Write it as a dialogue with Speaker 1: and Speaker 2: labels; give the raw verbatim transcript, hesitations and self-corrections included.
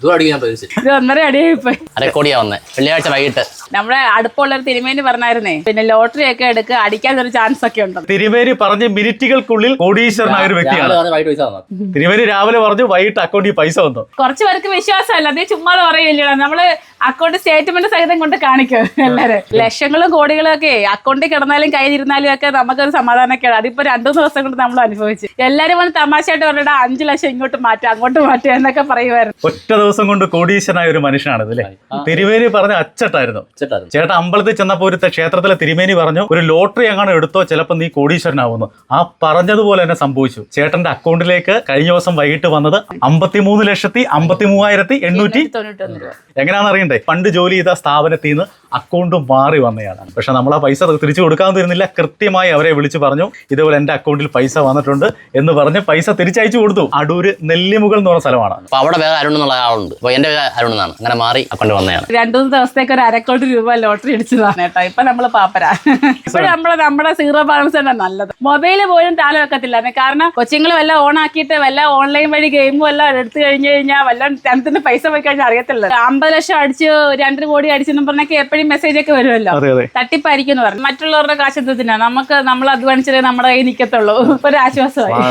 Speaker 1: ഇത് ഒന്നര അടിയായി പോയി.
Speaker 2: അരക്കോടിയാ വന്നേ വെള്ളിയാഴ്ച വൈകിട്ട്.
Speaker 1: നമ്മുടെ അടുപ്പുള്ള ഒരു തിരുമേനി പറഞ്ഞായിരുന്നേ, പിന്നെ ലോട്ടറി ഒക്കെ എടുക്കുക, അടിക്കാൻ ഒരു ചാൻസ് ഒക്കെ ഉണ്ട്.
Speaker 3: തിരുമേനി പറഞ്ഞ് മിനിറ്റുകൾക്കുള്ളിൽ കോടീശ്വരനായ ഒരു വ്യക്തിയാണ്. തിരുമേനി രാവിലെ പറഞ്ഞു വൈകിട്ട് അക്കൗണ്ടിൽ പൈസ വന്നു.
Speaker 1: കുറച്ചു പേർക്ക് വിശ്വാസമല്ല, അതേ ചുമ്മാ പറയില്ല. നമ്മള് അക്കൗണ്ട് സ്റ്റേറ്റ്മെന്റ് സഹിതം കൊണ്ട് കാണിക്കും എല്ലാരും. ലക്ഷങ്ങളും കോടികളും ഒക്കെ അക്കൗണ്ടിൽ കിടന്നാലും കയ്യിലിരുന്നാലും ഒക്കെ നമുക്കൊരു സമാധാനമൊക്കെയാണ്. അതിപ്പോ രണ്ടു ദിവസം കൊണ്ട് നമ്മൾ അനുഭവിച്ചു. എല്ലാരും വന്ന് തമാശയായിട്ട് പറഞ്ഞിട്ട് അഞ്ചു ലക്ഷം ഇങ്ങോട്ട് മാറ്റാം അങ്ങോട്ട് മാറ്റാം എന്നൊക്കെ പറയുമായിരുന്നു.
Speaker 3: ഒറ്റ ദിവസം കൊണ്ട് കോടീശ്വരനായ ഒരു മനുഷ്യനാണ് അല്ലേ. തിരുമേനി പറഞ്ഞ അച്ചട്ടായിരുന്നു. ചേട്ടാ അമ്പലത്തിൽ ചെന്നപ്പോ ഒരു ക്ഷേത്രത്തിലെ തിരുമേനി പറഞ്ഞു ഒരു ലോട്ടറി എങ്ങനെ എടുത്തോ ചിലപ്പോൾ നീ കോടീശ്വരനാവുന്നു. ആ പറഞ്ഞതുപോലെ തന്നെ സംഭവിച്ചു. ചേട്ടന്റെ അക്കൗണ്ടിലേക്ക് കഴിഞ്ഞ ദിവസം വൈകിട്ട് വന്നത് അമ്പത്തിമൂന്ന് ലക്ഷത്തി അമ്പത്തി മൂവായിരത്തി എണ്ണൂറ്റി എങ്ങനെയാണെന്ന് അറിയണ്ടേ. പണ്ട് ജോലി ചെയ്ത സ്ഥാപനത്തിൽ നിന്ന് അക്കൗണ്ട് മാറി വന്നതാണ്. പക്ഷെ നമ്മൾ ആ പൈസ തിരിച്ചു കൊടുക്കാൻ തരുന്നില്ല. കൃത്യമായി അവരെ വിളിച്ചു പറഞ്ഞു ഇതുപോലെ എന്റെ അക്കൗണ്ടിൽ പൈസ വന്നിട്ടുണ്ട് എന്ന് പറഞ്ഞ് പൈസ തിരിച്ചയച്ചു കൊടുത്തു. അടൂര് നെല്ലിമുകൾ എന്ന് പറഞ്ഞ സ്ഥലമാണ്.
Speaker 2: അപ്പൊ അവിടെ വേറെ അരുൺ എന്നുള്ള ആളുണ്ട്. അപ്പൊ എന്റെ അരുൺ എന്നാണ്. അങ്ങനെ മാറി അക്കൗണ്ട് വന്നതാണ്.
Speaker 1: രണ്ടു മൂന്ന് ദിവസത്തേക്ക് ഒരു അരക്കോടി രൂപ ലോട്ടറി അടിച്ചതാണ് കേട്ടോ. ഇപ്പൊ നമ്മള് പാപ്പരാ. ഇപ്പൊ നമ്മള് നമ്മുടെ സീറോ ബാലൻസ് തന്നെ നല്ലത്. മൊബൈല് പോലും താല വെക്കത്തില്ല. കാരണം കൊച്ചുങ്ങൾ വല്ല ഓൺ ആക്കിയിട്ട് വല്ല ഓൺലൈൻ വഴി ഗെയിമും എല്ലാം എടുത്തു കഴിഞ്ഞു കഴിഞ്ഞാൽ വല്ല ടെൻത്തിന് പൈസ പോയി കഴിഞ്ഞാൽ അറിയത്തില്ല. അമ്പത് ലക്ഷം അടിച്ച് രണ്ടര കോടി അടിച്ചെന്ന് പറഞ്ഞൊക്കെ എപ്പോഴും മെസ്സേജ് ഒക്കെ വരുമല്ലോ. തട്ടിപ്പായിരിക്കും എന്ന് പറഞ്ഞു. മറ്റുള്ളവരുടെ കാശ് എന്തിനാ, നമുക്ക് നമ്മൾ അധ്വാനിച്ചാലേ നമ്മുടെ കയ്യിൽ നിൽക്കത്തുള്ളൂ. ഒരു ആശ്വാസമായി.